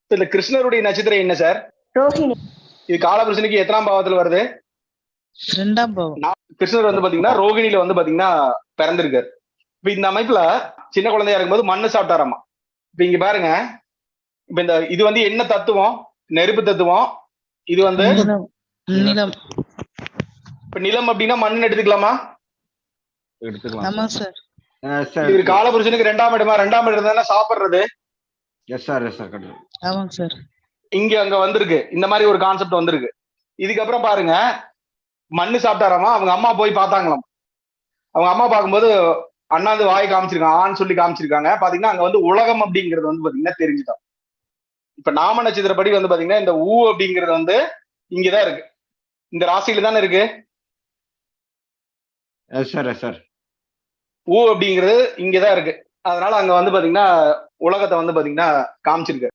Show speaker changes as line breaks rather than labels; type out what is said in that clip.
இந்த கிருஷ்ணருடைய நட்சத்திரம் என்ன சார்?
ரோஹிணி.
இது காலபுருஷனுக்கு எத்தனாம் பாவத்துல வருது?
2ஆம் பாவம்.
கிருஷ்ணர் வந்து பாத்தீங்கன்னா ரோகிணியில வந்து பாத்தீங்கன்னா பிறந்திருக்காரு. இப்ப இந்த அமைப்புல சின்ன குழந்தையா இருக்கும்போது மண்ணு சாப்பிட்டாராமா. இப்ப இங்க பாருங்க, இப்ப இந்த இது வந்து என்ன தத்துவம்? நெருப்பு தத்துவம். இது வந்து
நிலம்.
இப்ப நிலம் அப்படின்னா மண்ணு எடுத்துக்கலாமா?
ஆமா சார்.
இது காலபுருஷனுக்கு 2ஆம் இடமா? 2ஆம் இடம் தானே சாப்பிடுறது.
ஆமாங்க சார்.
இங்க அங்க வந்திருக்கு, இந்த மாதிரி ஒரு கான்செப்ட் வந்திருக்கு. இதுக்கப்புறம் பாருங்க, மண்ணு சாப்பிட்டாராமா. அவங்க அம்மா போய் பார்த்தாங்களாம். அவங்க அம்மா பார்க்கும்போது அண்ணாந்து வாய் காமிச்சிருக்காங்க, ஆன்னு சொல்லி காமிச்சிருக்காங்க. பாத்தீங்கன்னா அங்க வந்து உலகம் அப்படிங்கிறது வந்து பாத்தீங்கன்னா தெரிஞ்சுட்டோம். இப்ப நாம நட்சத்திரப்படி வந்து பாத்தீங்கன்னா இந்த ஊ அப்படிங்கிறது வந்து இங்கதான் இருக்கு, இந்த ராசியில தானே இருக்கு. ஊ அப்படிங்கிறது இங்கதான் இருக்கு. அதனால அங்க வந்து பாத்தீங்கன்னா உலகத்தை வந்து பாத்தீங்கன்னா காமிச்சிருக்கு.